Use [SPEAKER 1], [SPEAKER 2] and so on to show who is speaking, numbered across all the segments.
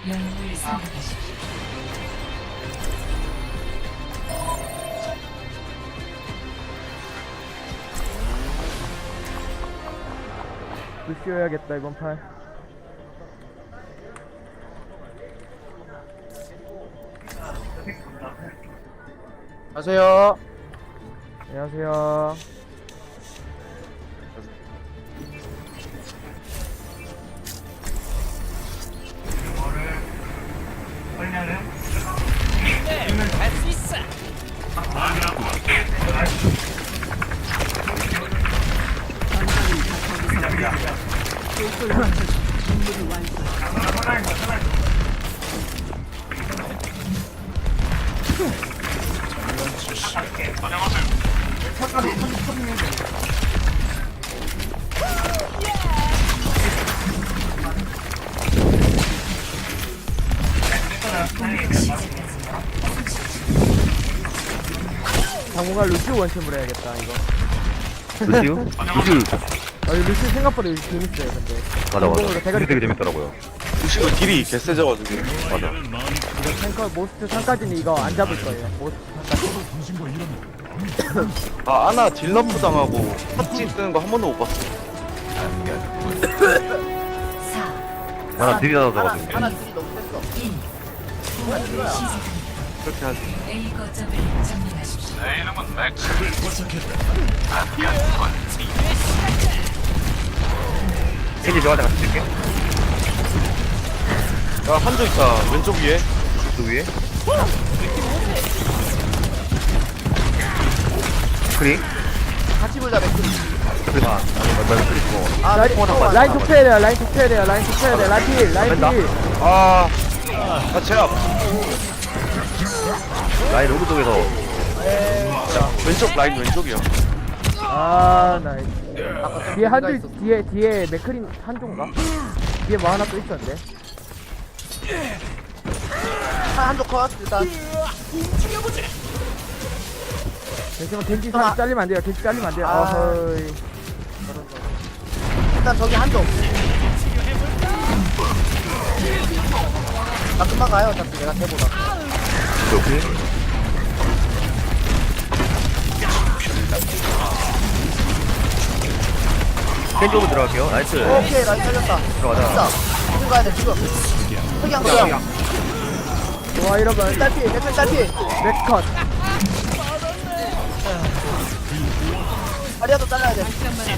[SPEAKER 1] 영웅을 선택하십시오.
[SPEAKER 2] 루시오야겠다 이번 판.
[SPEAKER 3] 안녕하세요.
[SPEAKER 2] 안녕하세요.
[SPEAKER 4] 할수 있어.
[SPEAKER 2] 당분간 루시오 원챔으로 해야겠다 이거.
[SPEAKER 5] 루시우? 루시우
[SPEAKER 2] 루시오 생각보다 요즘 재밌어요 근데.
[SPEAKER 5] 맞아 맞아
[SPEAKER 2] 공공으로 대가리
[SPEAKER 5] 루시우 되게 재밌더라고요.
[SPEAKER 3] 루시오 딜이 개세져가지고.
[SPEAKER 5] 맞아.
[SPEAKER 2] 이거 탱커 모스트 3까지는 이거 안 잡을 거예요. 모스트 3까지.
[SPEAKER 3] 아, 아나 딜러프 당하고 팟찌 쓰는 거 한 번도 못 봤어.
[SPEAKER 1] 4,
[SPEAKER 5] 나는 딜이 닫아져가지고.
[SPEAKER 6] 하나 딜이 너무 셌어.
[SPEAKER 1] 1. 공격을 시작합니다.
[SPEAKER 3] 그렇게 하지.
[SPEAKER 1] A 거점을 점령하십시오.
[SPEAKER 5] 겐지 좋아하자 같이 쓸게.
[SPEAKER 3] 야, 한조 있다. 왼쪽 위에.
[SPEAKER 5] 그 위에. 크리?
[SPEAKER 6] 같이 보자 맥주.
[SPEAKER 5] 크리 반. 나 크리 고
[SPEAKER 6] 아
[SPEAKER 2] 라인 톡해야 돼요. 라인 톡해야 돼요. 라인 톡해야 돼요. 라인 필. 라인
[SPEAKER 5] 뺀다.
[SPEAKER 2] 필.
[SPEAKER 3] 아, 제압.
[SPEAKER 5] 라인 오른쪽에서
[SPEAKER 3] 왼쪽 라인 왼쪽이야.
[SPEAKER 2] 아 나이스. 뒤에 한줄 뒤에 맥크린 한조인가? 뒤에 뭐 하나 또 있었는데.
[SPEAKER 6] 한쪽 컷 일단.
[SPEAKER 2] 잠시만 겐지 살 잘리면 안 돼요. 겐지 잘리면 안 돼요.
[SPEAKER 6] 아.
[SPEAKER 2] 어허이.
[SPEAKER 6] 일단 저기 한쪽. 나 금방 가요. 어차피 내가 해보다.
[SPEAKER 5] 오케이. 겐지 오면 들어갈게요. 나이스.
[SPEAKER 6] 오케이 라인 살렸다.
[SPEAKER 5] 들어가자.
[SPEAKER 6] 진짜. 지금 가야 돼 지금. 흑양 흑양.
[SPEAKER 2] 좋아 이러면
[SPEAKER 6] 딸피 맥주 딸피.
[SPEAKER 2] 맥컷.
[SPEAKER 6] 다리야도 잘라야 돼.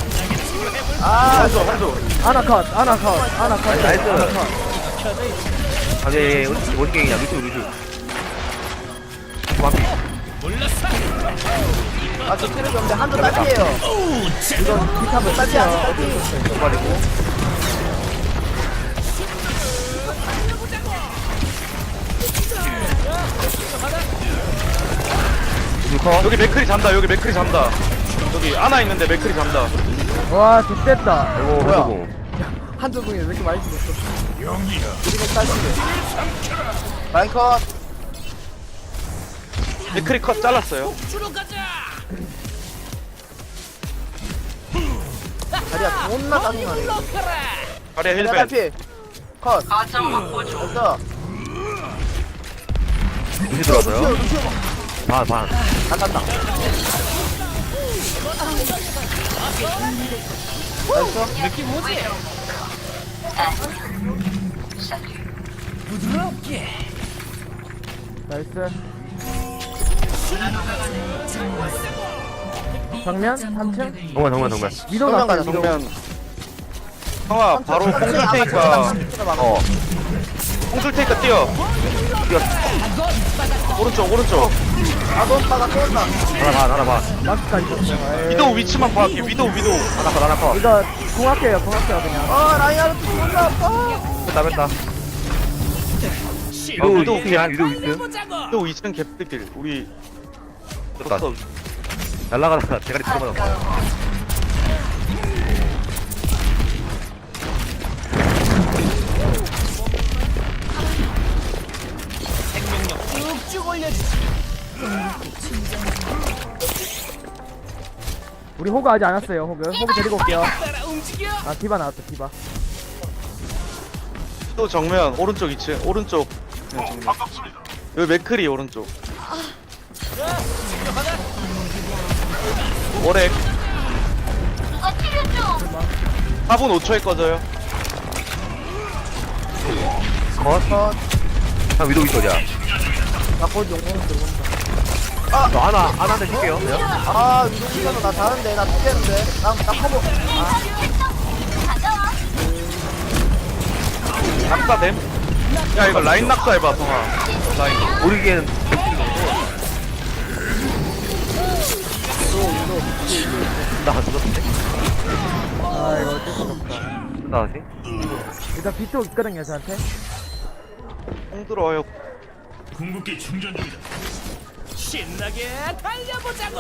[SPEAKER 6] 아
[SPEAKER 3] 한조.
[SPEAKER 2] 아나컷. 아나컷. 아나컷.
[SPEAKER 5] 나이스.
[SPEAKER 2] 아나컷.
[SPEAKER 5] 아네 어디게이냐 루시우. 완피.
[SPEAKER 6] 아저 체력이 없는데 한쪽 딸피예요.
[SPEAKER 2] 이건 킥하면
[SPEAKER 6] 딸피야
[SPEAKER 2] 딸피야.
[SPEAKER 6] 딸피.
[SPEAKER 5] 좀 빠지고. 루커.
[SPEAKER 3] 여기 맥크리 잔다. 여기 맥크리 잔다. 여기 아나 있는데 맥크리 잔다.
[SPEAKER 2] 와 좋됐다.
[SPEAKER 5] 아이고
[SPEAKER 6] 뭐야?
[SPEAKER 5] 한조공.
[SPEAKER 6] 한쪽 분이 왜 이렇게 많이 죽었어? 그리고 딸피. 라인 컷.
[SPEAKER 3] 맥크리 컷 잘랐어요.
[SPEAKER 6] 다리야 존나 짜증나네.
[SPEAKER 3] 다리야
[SPEAKER 6] 다리야
[SPEAKER 3] 힐벤.
[SPEAKER 6] 딸피. 컷. 됐어.
[SPEAKER 5] 루시 들어왔어요.
[SPEAKER 6] 루시오.
[SPEAKER 5] 반 반.
[SPEAKER 6] 안 간다.
[SPEAKER 2] 나이스. 정면 3층.
[SPEAKER 5] 정면.
[SPEAKER 2] 위도
[SPEAKER 6] 정면
[SPEAKER 2] 났어요.
[SPEAKER 6] 가자,
[SPEAKER 2] 위도.
[SPEAKER 3] 그러면 형아 바로 뽕줄 테니까
[SPEAKER 5] 어.
[SPEAKER 3] 뽕줄 테니까 뛰어. 오른쪽.
[SPEAKER 6] 아돈 빠가 쏜다.
[SPEAKER 5] 하나 반.
[SPEAKER 2] 마스까지 줬어요.
[SPEAKER 3] 위도우 위치만 봐볼게. 위도우.
[SPEAKER 5] 하나 컷.
[SPEAKER 2] 이거 공학해요 그냥.
[SPEAKER 6] 아 라인 하는 거 존나 아파.
[SPEAKER 5] 뺐다.
[SPEAKER 3] 위도우
[SPEAKER 5] 위도 위스.
[SPEAKER 3] 위도우 2층 개피길. 우리
[SPEAKER 5] 좋다. 날라가다가 대가리 들어맞았어.
[SPEAKER 2] 우리 호그 아직 안 왔어요. 호그 데리고 올게요. 아 디바 나왔다 디바.
[SPEAKER 3] 또 정면 오른쪽 2층 오른쪽 그냥 정면. 여기 맥크리 오른쪽. 오렉. 4분 5초에 꺼져요.
[SPEAKER 5] 컷. 형 위도 있어 어디야?
[SPEAKER 6] 나곧 용공 들어온다.
[SPEAKER 5] 저 하나한테 줄게요.
[SPEAKER 6] 아 위동기는 나 자는데 나 죽겠는데. 나 커버.
[SPEAKER 3] 낙사됨. 야 이거 라인 낙사해봐 성아. 라인.
[SPEAKER 5] 모르기에는 나 죽었는데?
[SPEAKER 2] 아 이거 어쩔 수 없다.
[SPEAKER 5] 나지?
[SPEAKER 2] 일단 비트 있거든요 저한테.
[SPEAKER 3] 공 들어와요.
[SPEAKER 4] 궁극기 충전 중이다. 신나게 달려보자고.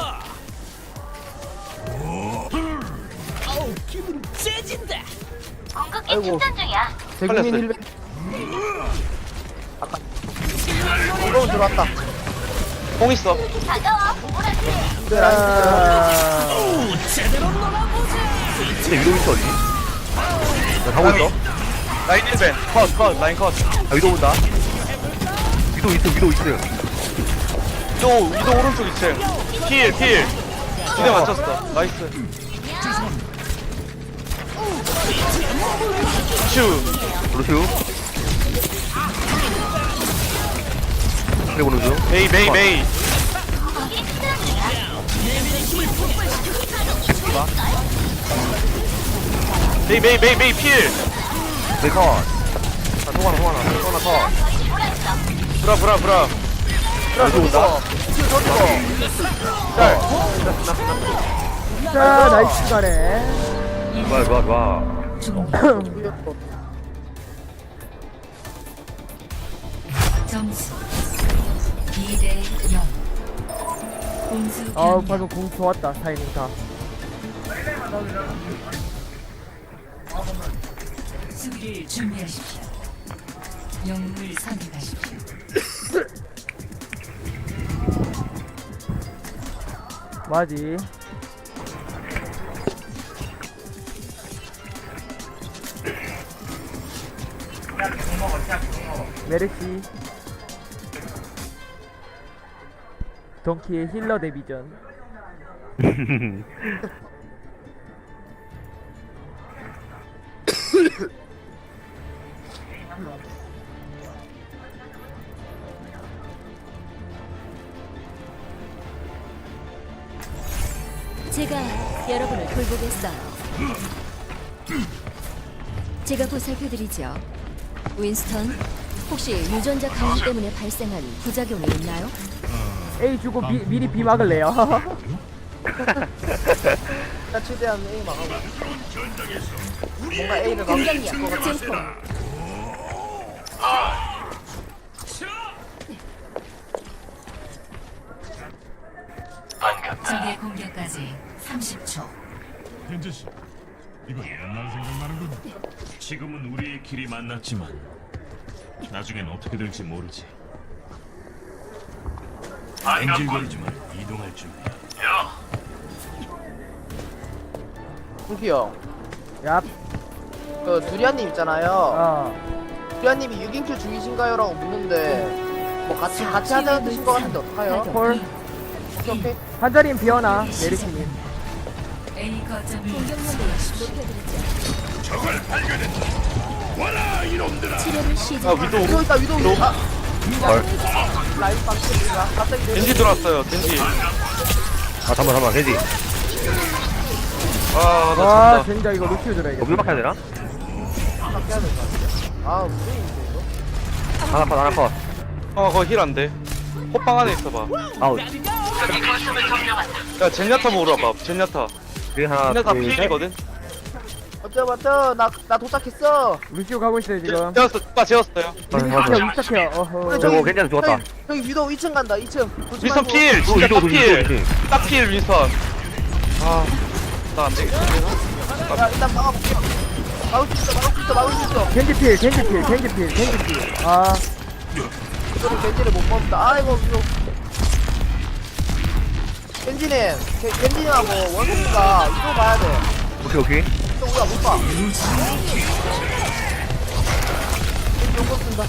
[SPEAKER 4] 어우 기분 째진다.
[SPEAKER 6] 아이고. 대국민
[SPEAKER 3] 걸렸어요.
[SPEAKER 6] 100. 아까. 이거 들어왔다.
[SPEAKER 3] 공 있어.
[SPEAKER 6] 네, 라인.
[SPEAKER 4] 오 제대로 놀아보자.
[SPEAKER 5] 근데 위도 있어 어디? 나 가고 있어.
[SPEAKER 3] 라인 1벤. 컷 라인 컷.
[SPEAKER 5] 아 위도 온다. 위도 있어.
[SPEAKER 3] 위도 오른쪽 2층. 킬. 기대 맞췄어. 나이스. 슈.
[SPEAKER 5] 루슈. 그래 보는 중.
[SPEAKER 3] 메이. 메이 필.
[SPEAKER 5] 메이컷. 아 통하나 컷.
[SPEAKER 3] 브라.
[SPEAKER 5] 위도 온다.
[SPEAKER 2] 자 나이스 가네.
[SPEAKER 5] 좋아.
[SPEAKER 1] 점수 2대 0. 공수
[SPEAKER 2] 아
[SPEAKER 1] 변경.
[SPEAKER 2] 방금 공 좋았다 타이밍 다.
[SPEAKER 1] 수비를 준비하십시오. 영웅을 선택하십시오.
[SPEAKER 2] 맞지. 메르시 don키의 힐러 데뷔전.
[SPEAKER 7] 제가 여러분을 돌보겠어요. 제가 보살펴드리죠. 윈스턴, 혹시 유전자 강화 때문에 발생한 부작용이 있나요?
[SPEAKER 2] A 주고 미리 B 막을래요.
[SPEAKER 6] 나 최대한 A 막하고. 뭔가 A를 막을 수 있을 것
[SPEAKER 7] 공격력
[SPEAKER 6] 같아.
[SPEAKER 7] 증폭.
[SPEAKER 1] 적의 공격까지 30초.
[SPEAKER 8] 현재씨, 이건 옛날 생각나는군. 지금은 우리의 길이 만났지만 나중엔 어떻게 될지 모르지. 엔질거리지 말 이동할 준비야.
[SPEAKER 6] 홍기 형.
[SPEAKER 2] 얍.
[SPEAKER 6] 그 두리안님 있잖아요.
[SPEAKER 2] 어.
[SPEAKER 6] 두리안님이 6인큐 중이신가요?라고 묻는데 뭐 같이 하자는 뜻인 것 같은데 어떡해요?
[SPEAKER 2] 콜.
[SPEAKER 6] 오케이.
[SPEAKER 2] 한 자리는 비어나 메르시님.
[SPEAKER 1] A 거점을
[SPEAKER 7] 공격력을 높여드리죠. 치료를 시작.
[SPEAKER 3] 아 위도.
[SPEAKER 6] 위도 있다 위도. 아.
[SPEAKER 5] 헐.
[SPEAKER 6] 라인 방식이야. 갑자기
[SPEAKER 3] 겐지 들어왔어요. 겐지.
[SPEAKER 5] 아 잠깐만 겐지.
[SPEAKER 3] 아 나
[SPEAKER 2] 와
[SPEAKER 3] 졌다.
[SPEAKER 2] 진짜 이거 루키오 들어야겠다.
[SPEAKER 5] 여기 막혀야 되나?
[SPEAKER 6] 바뀌어야 될것 같아. 아 무리인데 이거?
[SPEAKER 5] 하나 컷.
[SPEAKER 3] 거기 힐 안 돼. 호빵 안에 있어봐.
[SPEAKER 5] 아웃.
[SPEAKER 3] 야 젠야타 먹으러 와봐. 젠야타.
[SPEAKER 5] 뒤에 하나
[SPEAKER 3] 젠야타
[SPEAKER 5] 둘 셋.
[SPEAKER 3] 필이거든.
[SPEAKER 6] 어쩌 나 도착했어.
[SPEAKER 2] 루키오 가고 있어요 지금.
[SPEAKER 3] 재웠어. 누가 재웠어요.
[SPEAKER 2] 위스탁해요 위스탁해요. 어허.
[SPEAKER 5] 저거 괜찮아 죽었다.
[SPEAKER 6] 저기 위도 2층 간다 2층.
[SPEAKER 3] 윈선 필. 진짜
[SPEAKER 5] 위도
[SPEAKER 3] 딱
[SPEAKER 5] 둘
[SPEAKER 3] 필. 딱 필 윈선. 나 안 되겠다.
[SPEAKER 6] 야 일단 막아볼게요. 막을 수 있어.
[SPEAKER 2] 겐지필. 아
[SPEAKER 6] 이거는 겐지를 못 뽑는다. 아이고 위도. 겐지님하고 원숭이가 위도 봐야 돼.
[SPEAKER 5] 오케이.
[SPEAKER 6] 또 우리가 못 봐.
[SPEAKER 7] 한번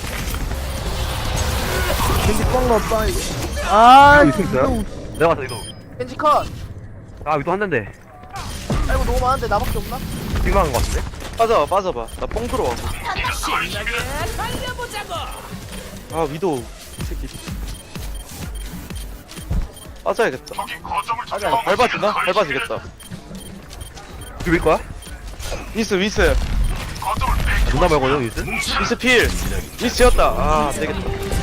[SPEAKER 6] 겐지 뻥 넣었다 이거.
[SPEAKER 2] 아
[SPEAKER 5] 이거 있어요? 내가 봤어 이거.
[SPEAKER 6] 겐지 컷.
[SPEAKER 5] 아 이거 한 대인데.
[SPEAKER 6] 아이고 너무 많은데 나밖에 없나?
[SPEAKER 5] 빅망한 거 같은데?
[SPEAKER 3] 빠져봐. 나 뽕 들어와.
[SPEAKER 4] 신나게 달려보자고.
[SPEAKER 3] 아 위도 이 새끼. 빠져야겠다.
[SPEAKER 6] 맞아.
[SPEAKER 3] 밟아주나? 밟아지겠다.
[SPEAKER 5] 비빌 거야?
[SPEAKER 3] 윈스.
[SPEAKER 5] 아, 누나 말고요 유스?
[SPEAKER 3] 윈스 필. 윈스 지었다. 아 안되겠다.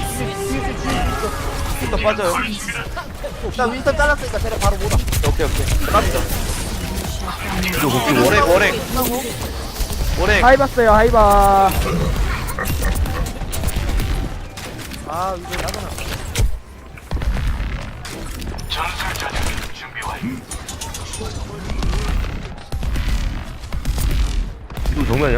[SPEAKER 3] 일단 빠져요.
[SPEAKER 6] 나 윈스턴 잘랐으니까 쟤네 바로 못 와.
[SPEAKER 3] 오케이. 갑니다.
[SPEAKER 5] 이거 웃기고.
[SPEAKER 3] 오랭.
[SPEAKER 2] 하이봤어요 하이바.
[SPEAKER 6] 아 이거 나잖아.
[SPEAKER 5] 이거 정면이야?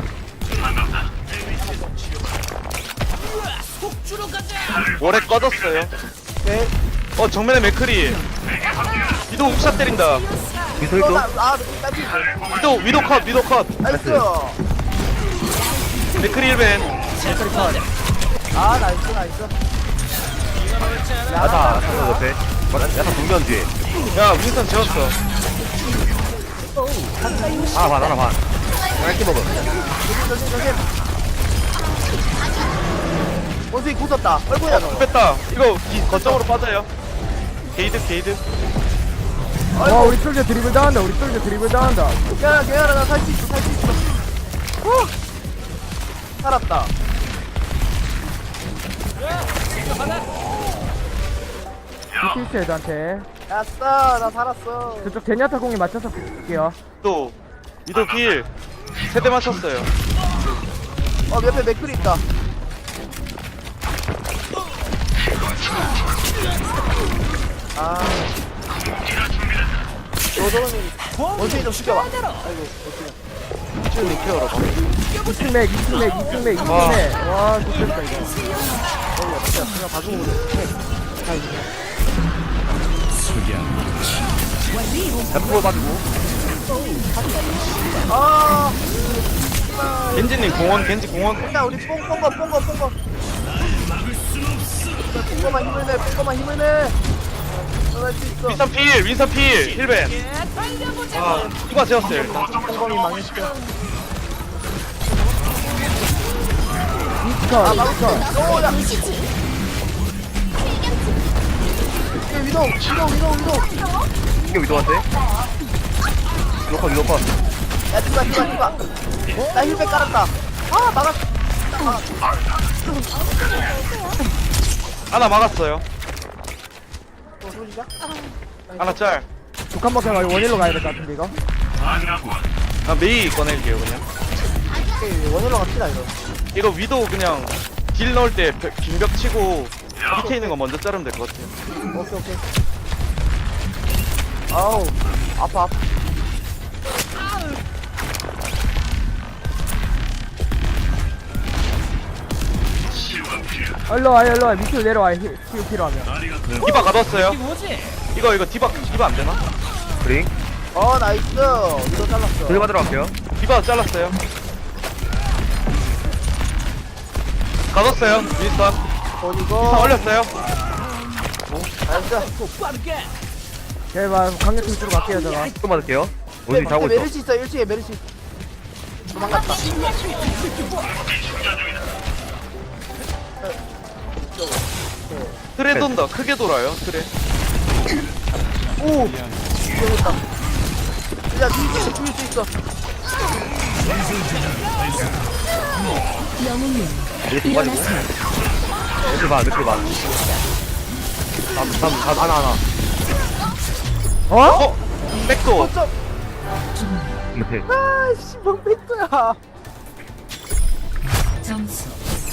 [SPEAKER 4] 속주로 가자.
[SPEAKER 3] 오랭 꺼졌어요.
[SPEAKER 6] 오케이.
[SPEAKER 3] 정면에 맥크리. 위도 욱샷 때린다.
[SPEAKER 5] 미소
[SPEAKER 6] 이거
[SPEAKER 5] 있어?
[SPEAKER 6] 아 딸피.
[SPEAKER 3] 위도 컷.
[SPEAKER 6] 나이스.
[SPEAKER 3] 맥크리 1벤.
[SPEAKER 6] 아 나이스.
[SPEAKER 5] 야타 옆에. 야타 정면 뒤에.
[SPEAKER 3] 야 윈스턴 지웠어.
[SPEAKER 5] 하나 반. 짧게 먹어.
[SPEAKER 6] 조심. 원숭이 굳었다. 얼굴야 너.
[SPEAKER 3] 뺐다. 이거 거점으로 빠져요. 게이드.
[SPEAKER 2] 와 우리 솔저 드리블 당한다.
[SPEAKER 6] 괜찮아 나 살 수 있어. 살았다.
[SPEAKER 2] 비트 있어요 저한테.
[SPEAKER 6] 야싸 나 살았어.
[SPEAKER 2] 저쪽 제니아타 공에 맞춰서 볼게요.
[SPEAKER 3] 위도 필. 세대 맞췄어요.
[SPEAKER 6] 옆에 맥클이 있다. 아. 너도는 원숭이 좀 죽여봐. 아이고
[SPEAKER 3] 힐링 케어로 봐.
[SPEAKER 2] 2층 맥. 와 좋겠다 이거.
[SPEAKER 6] 그냥 봐주고
[SPEAKER 5] 템포 빠지고.
[SPEAKER 6] 아
[SPEAKER 3] 겐지님 겐지 공원.
[SPEAKER 6] 일단 우리 뽕거 뽕거만 힘을 내 할 수 있어.
[SPEAKER 3] 윈선 필. 힐벤. 아 누가 지었어요 일단.
[SPEAKER 6] 뽕거이 망했어.
[SPEAKER 2] 이스컷.
[SPEAKER 6] 오야 위도
[SPEAKER 5] 이게 위도한테? 위도 컷.
[SPEAKER 6] 야 디바 나 힐백 깔았다. 아 막았어.
[SPEAKER 3] 하나 막았어요.
[SPEAKER 6] 또 소리가?
[SPEAKER 3] 하나 짤.
[SPEAKER 2] 북한 먹혀 가지고 원일로 가야 될 것 같은데 이거.
[SPEAKER 3] 아 메이 꺼낼게요 그냥.
[SPEAKER 6] 오케이 원으로 갑시다 이거.
[SPEAKER 3] 이거 위도 그냥 딜 넣을 때 빈벽 치고 밑에 있는 거 먼저 자르면 될 것 같아요.
[SPEAKER 6] 오케이. 아우 아파.
[SPEAKER 2] 일로 와 밑으로 내려와. 힐 필요하면.
[SPEAKER 3] 디바 가뒀어요.
[SPEAKER 4] 뭐지?
[SPEAKER 3] 이거 디바 안 되나?
[SPEAKER 5] 그링.
[SPEAKER 6] 나이스. 위도 잘랐어.
[SPEAKER 5] 돌 받으러 갈게요.
[SPEAKER 3] 디바 잘랐어요. 가뒀어요. 윈스턴.
[SPEAKER 6] 어디고?
[SPEAKER 3] 올렸어요.
[SPEAKER 6] 나이스.
[SPEAKER 4] 빠르게.
[SPEAKER 2] 제발 강력팀 쪽으로 갈게요 제가.
[SPEAKER 5] 또 받을게요. 원숭이 자고 있어.
[SPEAKER 6] 메르시 있어. 1층에 메르시. 도망갔다.
[SPEAKER 3] 트레 돈다. 크게 돌아요. 트레.
[SPEAKER 6] 오. 위험했다. 야 죽일 수 있어.
[SPEAKER 7] 영웅님
[SPEAKER 5] 이렇게 빠지고. 며칠 반. 하나.
[SPEAKER 2] 어?
[SPEAKER 3] 백도.
[SPEAKER 5] 이렇게.
[SPEAKER 6] 아씨 뭔 백도야.
[SPEAKER 1] 점수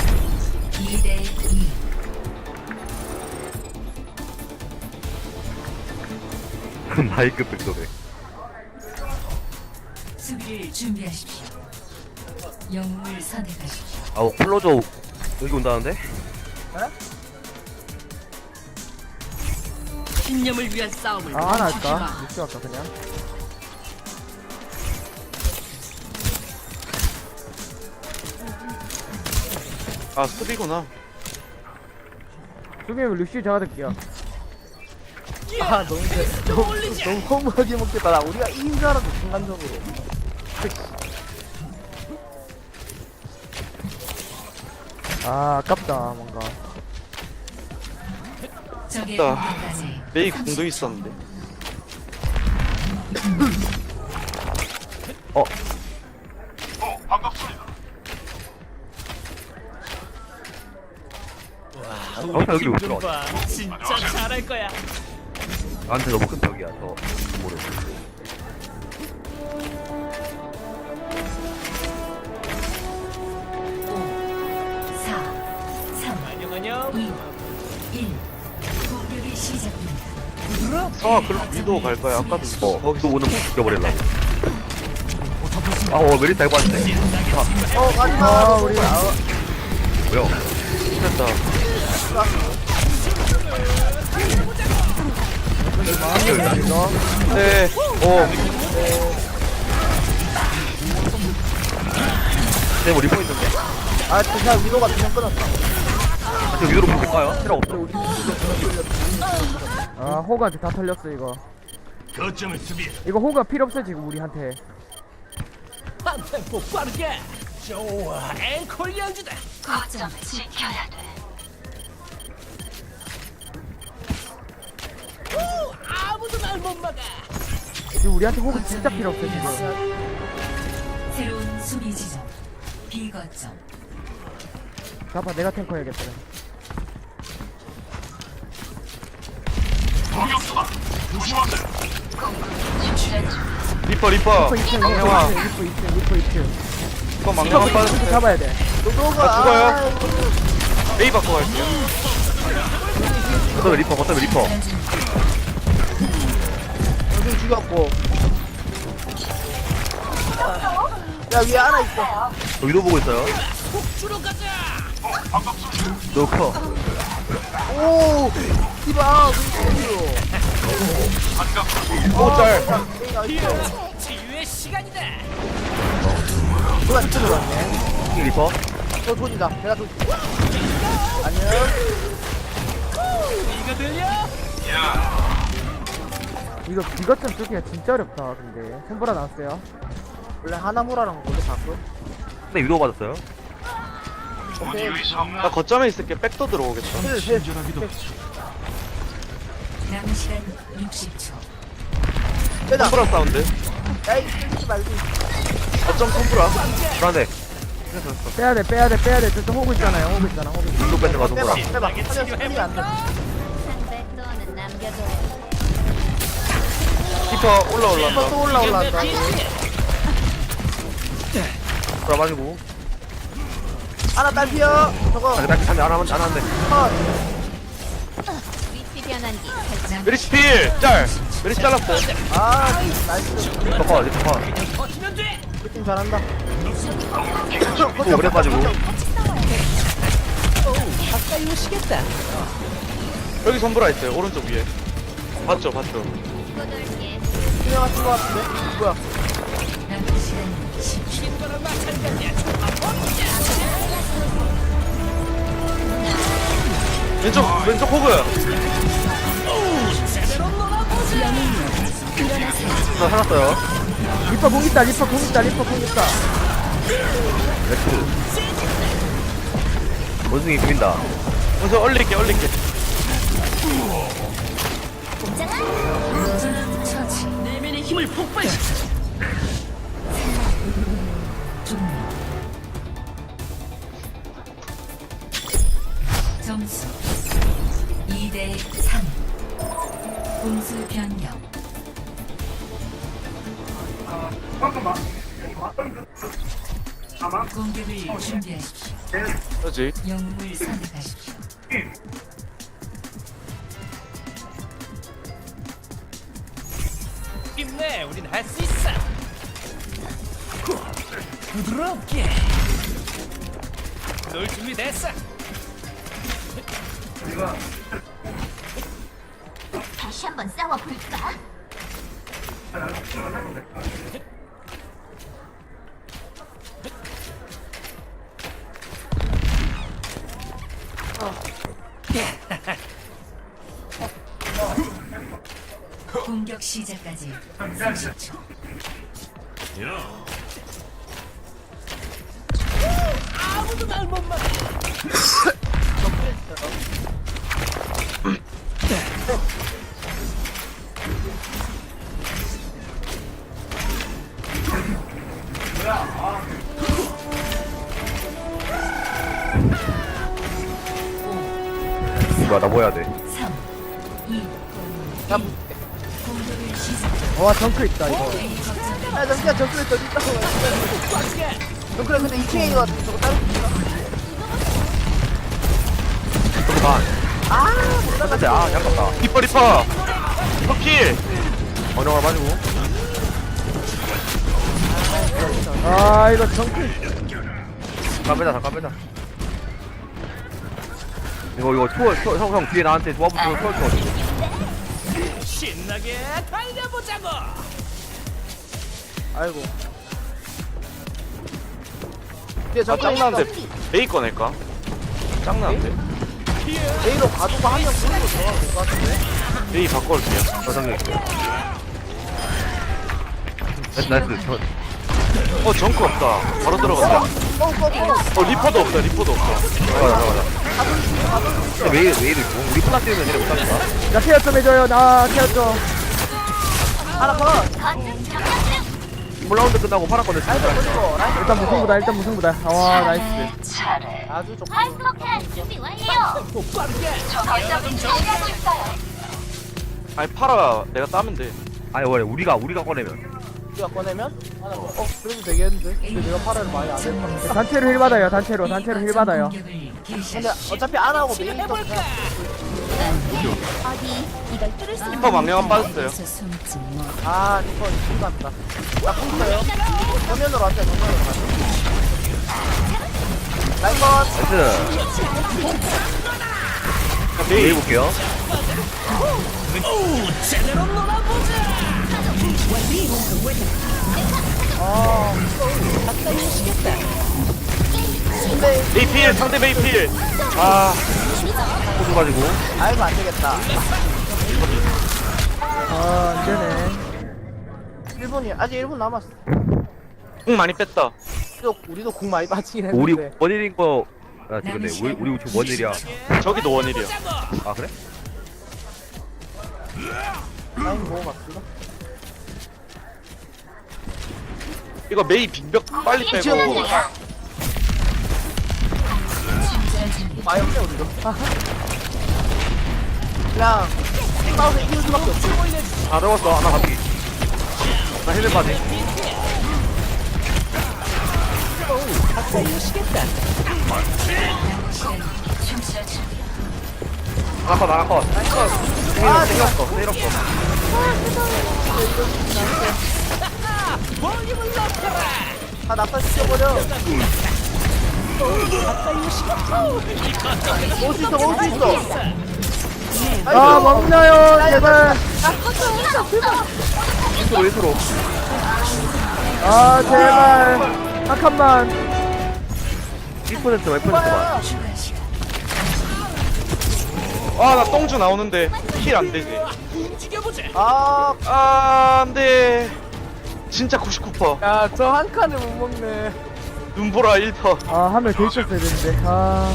[SPEAKER 1] 2대2.
[SPEAKER 5] 나이급 백도네.
[SPEAKER 1] 수비를 준비하십시오. 영웅을 선택하십시오.
[SPEAKER 5] 아우 클로저 여기 온다는데?
[SPEAKER 4] 신념을 위한 싸움을
[SPEAKER 2] 하나
[SPEAKER 4] 멈추지 마.
[SPEAKER 2] 할까? 육수 할까 그냥.
[SPEAKER 3] 아 수비구나.
[SPEAKER 2] 수비면 루시 잡아둘게요.
[SPEAKER 6] 아 너무 너무 허무하게 먹겠다. 나 우리가 이긴 줄 알았어 순간적으로.
[SPEAKER 2] 아 아깝다 뭔가.
[SPEAKER 1] 적의
[SPEAKER 3] 나
[SPEAKER 1] 공격까지
[SPEAKER 3] 메이 공도 있었는데.
[SPEAKER 5] 아무튼 여기 못 들어와.
[SPEAKER 4] 봐. 진짜 잘할 거야.
[SPEAKER 5] 나한테 너무 큰 벽이야. 저 모르.
[SPEAKER 1] 4, 3,
[SPEAKER 4] 안녕 안녕.
[SPEAKER 1] 2, 1. 공격이 시작됩니다.
[SPEAKER 3] 성아 그럼 위도 갈 거야. 아까도
[SPEAKER 5] 거기서 오는 못 죽여버릴라. 메리 달고 왔네.
[SPEAKER 6] 가지마.
[SPEAKER 2] 아 우리
[SPEAKER 5] 뭐야?
[SPEAKER 3] 됐다. 네.
[SPEAKER 5] 뭐 리포 있는데?
[SPEAKER 6] 아 진짜 위로가 두명 끊었어.
[SPEAKER 5] 저 위로 볼까요? 필요 없어.
[SPEAKER 2] 아 호그한테 다 털렸어 이거.
[SPEAKER 8] 거점을 수비해.
[SPEAKER 2] 이거 호그가 필요 없어 지금 우리한테.
[SPEAKER 4] 한 템포 빠르게. 좋아. 앵콜 연주다.
[SPEAKER 1] 거점을 지켜야 돼.
[SPEAKER 4] 오, 아무도 날 못 막아.
[SPEAKER 2] 지금 우리한테 호그 진짜 필요 없어 지금.
[SPEAKER 1] 새로운 수비 지점. 비거점.
[SPEAKER 2] 잡아 내가 탱커 해야겠다.
[SPEAKER 3] 리퍼
[SPEAKER 2] 리퍼 2층
[SPEAKER 3] 망령아.
[SPEAKER 2] 리퍼 2층.
[SPEAKER 3] 리퍼 망령아
[SPEAKER 2] 리퍼
[SPEAKER 3] 빠졌어요.
[SPEAKER 2] 잡아야 돼.
[SPEAKER 6] 노도가
[SPEAKER 3] 죽어요. 메이 바꿔 갈게요.
[SPEAKER 5] 거점에 리퍼.
[SPEAKER 6] 요즘 죽였고. 야 위에 하나 있어.
[SPEAKER 5] 저 위로 보고 있어요.
[SPEAKER 4] 주로 가자.
[SPEAKER 5] 너 커.
[SPEAKER 6] 오 디바
[SPEAKER 3] 오짤.
[SPEAKER 4] 치유의 시간이다.
[SPEAKER 6] 누가 이쪽으로 왔네.
[SPEAKER 5] 리퍼.
[SPEAKER 6] 저 돈이다. 내가 돈. 안녕.
[SPEAKER 4] 이거 들려?
[SPEAKER 2] 이거 비거점 뚫기가 진짜 어렵다 근데. 손보라 나왔어요.
[SPEAKER 6] 원래 하나무라랑 원래 바꿔.
[SPEAKER 5] 근데 위로 맞았어요.
[SPEAKER 6] 오케이.
[SPEAKER 3] 나 거점에 있을게. 백도 들어오겠다.
[SPEAKER 6] 힐.
[SPEAKER 1] 남은 시간 60초.
[SPEAKER 6] 빼다.
[SPEAKER 3] 톰브라 사운드.
[SPEAKER 6] 야이 쓰지 말고.
[SPEAKER 3] 거점 톰브라.
[SPEAKER 5] 불안해.
[SPEAKER 2] 빼야 돼. 저쪽 호그 있잖아요. 호그 있잖아.
[SPEAKER 5] 위로 뺏는 거
[SPEAKER 6] 빼봐.
[SPEAKER 5] 동그라.
[SPEAKER 6] 빼봐. 살려 쓰지 안 돼.
[SPEAKER 7] 상대 또는 남겨둬요.
[SPEAKER 3] 리퍼 올라올란다.
[SPEAKER 6] 또 올라온다.
[SPEAKER 5] 불안 맞고.
[SPEAKER 6] 하나 딸피어. 저거.
[SPEAKER 5] 딱 한대 안 하는데.
[SPEAKER 6] 컷.
[SPEAKER 7] 위치 변환기 설정.
[SPEAKER 3] 메리시 필. 짤. 메리시 잘랐어.
[SPEAKER 6] 아 나이스.
[SPEAKER 5] 리퍼 커.
[SPEAKER 4] 버티면 돼.
[SPEAKER 6] 그팀 잘한다.
[SPEAKER 5] 또 오래 빠지고.
[SPEAKER 4] 가까이 오시겠다.
[SPEAKER 3] 여기 손브라 있어요. 오른쪽 위에. 봤죠.
[SPEAKER 7] 꼬돌게.
[SPEAKER 6] 투명하신 것 같은데. 뭐야?
[SPEAKER 1] 남은 시간 10초.
[SPEAKER 4] 신거랑 마찬가지야.
[SPEAKER 3] 왼쪽 호그.
[SPEAKER 5] 나 살았어요.
[SPEAKER 2] 리퍼 공 있다.
[SPEAKER 5] 렉스. 원숭이 보인다.
[SPEAKER 3] 먼저 얼릴게.
[SPEAKER 1] 처치.
[SPEAKER 4] 내면의 힘을 폭발시켜.
[SPEAKER 1] 종료. 점수 2대 3. 공수 변경. 공격을 준비하십시오.
[SPEAKER 3] 그렇지.
[SPEAKER 1] 영웅을 선택하십시오.
[SPEAKER 4] 힘내. 우린 할 수 있어. 부드럽게. 놀 준비 됐어.
[SPEAKER 7] 다시 한번 싸워볼까?
[SPEAKER 1] 공격 시작까지 30초.
[SPEAKER 4] 아무도 날 못 막아.
[SPEAKER 5] 뭐야 나 뭐 해야 돼?
[SPEAKER 1] 3, 2,
[SPEAKER 6] 야,
[SPEAKER 1] 공격을 시작.
[SPEAKER 2] 와 정크 있다 이거.
[SPEAKER 1] A 거점
[SPEAKER 6] 야, 잠시만, 정크레 더 있다고. 정크레 근데 2층에 있는 것 같은데, 저거 따로 있나?
[SPEAKER 5] 잠깐만.
[SPEAKER 6] 못 나가.
[SPEAKER 5] 근데 약간다.
[SPEAKER 3] 리퍼 필.
[SPEAKER 5] 번영을 가지고.
[SPEAKER 2] 아 이거 정크.
[SPEAKER 5] 잠깐 빼자. 이거 형 뒤에 나한테 조합 붙여서
[SPEAKER 4] 신나게 달려보자고.
[SPEAKER 6] 아이고. 뒤에
[SPEAKER 3] 아
[SPEAKER 6] 정크레
[SPEAKER 3] 짱나는데 메이 꺼낼까? 짱나는데.
[SPEAKER 6] A로 가두고 한명 보내고 들어가면 될것 같은데?
[SPEAKER 3] 메이 바꿔올게요.
[SPEAKER 5] 저장해. 나이스.
[SPEAKER 3] 정크 없다. 바로 들어간다. 리퍼도 없다.
[SPEAKER 5] 들어가자. 근데 왜 이리 있고? 우리 플라 뛰면 얘네 못하니까.
[SPEAKER 2] 나 케어 좀 해줘요. 나 케어 좀.
[SPEAKER 6] 하나 컷!
[SPEAKER 5] 몰라운드 끝나고 파란 건데
[SPEAKER 6] 라이트 보시고, 라이트
[SPEAKER 2] 일단 무승부다. 와 나이스.
[SPEAKER 6] 아주 좋고.
[SPEAKER 7] 발목할 준비 완료.
[SPEAKER 3] 아니 팔아 내가 따면 돼.
[SPEAKER 5] 아니 원래 우리가 꺼내면
[SPEAKER 6] 우리가 꺼내면? 하나 더. 그래도 되겠는데? 근데 내가 팔을 많이 안 했는데.
[SPEAKER 2] 단체로 힐 받아요. 단체로 힐 받아요.
[SPEAKER 1] 공격을 개시.
[SPEAKER 6] 근데 어차피 안 하고 메인 또
[SPEAKER 4] 해볼까?
[SPEAKER 6] 그냥
[SPEAKER 7] 어디 이걸 뚫을 수 있는
[SPEAKER 3] 리퍼 망령은 빠졌어요.
[SPEAKER 1] 숨지 뭐.
[SPEAKER 6] 아, 리퍼 이거 같다. 나 쿵어요. 정면으로 왔자, 정면으로 갔다. 라인 컷!
[SPEAKER 5] 나이스.
[SPEAKER 3] 메이
[SPEAKER 5] 메이 볼게요.
[SPEAKER 4] 오, 제대로 놀아보자.
[SPEAKER 3] 메이 필 상대 메이 필.
[SPEAKER 5] 호두 가지고.
[SPEAKER 6] 아이고, 안 되겠다.
[SPEAKER 2] 아 안되네.
[SPEAKER 6] 1분이, 아직 1분 남았어.
[SPEAKER 3] 공 많이 뺐다.
[SPEAKER 6] 우리도 공 많이 빠지긴
[SPEAKER 5] 우리
[SPEAKER 6] 했는데.
[SPEAKER 5] 원일인 거. 아 근데 우리 지금 원일이야.
[SPEAKER 3] 저기도 원일이야.
[SPEAKER 5] 아 그래?
[SPEAKER 6] 라인 먹어봤어?
[SPEAKER 3] 이거 메이 빙벽 빨리 빼고.
[SPEAKER 6] 많이 없네, 우리도. 그냥, 싸워서 이기는 수밖에 없어.
[SPEAKER 5] 다 잡았어. 하나 갑기. 나 힐맨 바지. 나가 컷. 생겼어.
[SPEAKER 4] 볼륨을 높여라.
[SPEAKER 6] 다 낙사시켜버려. 먹을 수 있어.
[SPEAKER 2] 아 먹나요 제발.
[SPEAKER 5] 인트로.
[SPEAKER 2] 아 제발. 한 칸만.
[SPEAKER 5] 1%만.
[SPEAKER 1] 추가 시간.
[SPEAKER 3] 나 똥주 나오는데 힐 안 되지.
[SPEAKER 4] 움직여보자.
[SPEAKER 3] 안 돼. 진짜 99%.
[SPEAKER 6] 야, 저 한 칸을 못 먹네.
[SPEAKER 3] 눈보라 1%.
[SPEAKER 2] 아 한 명 더 있었어야 되는데. 아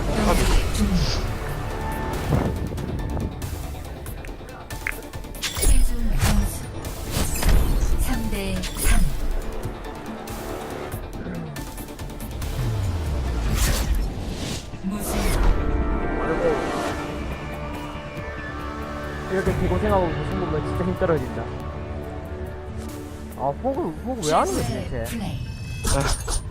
[SPEAKER 1] 최종 점수 3대 3. 무슨
[SPEAKER 2] 이렇게 개고생하고 무슨 보면 진짜 힘 떨어진다. 아 호그 왜 하는 거지 대체?
[SPEAKER 1] 플레이.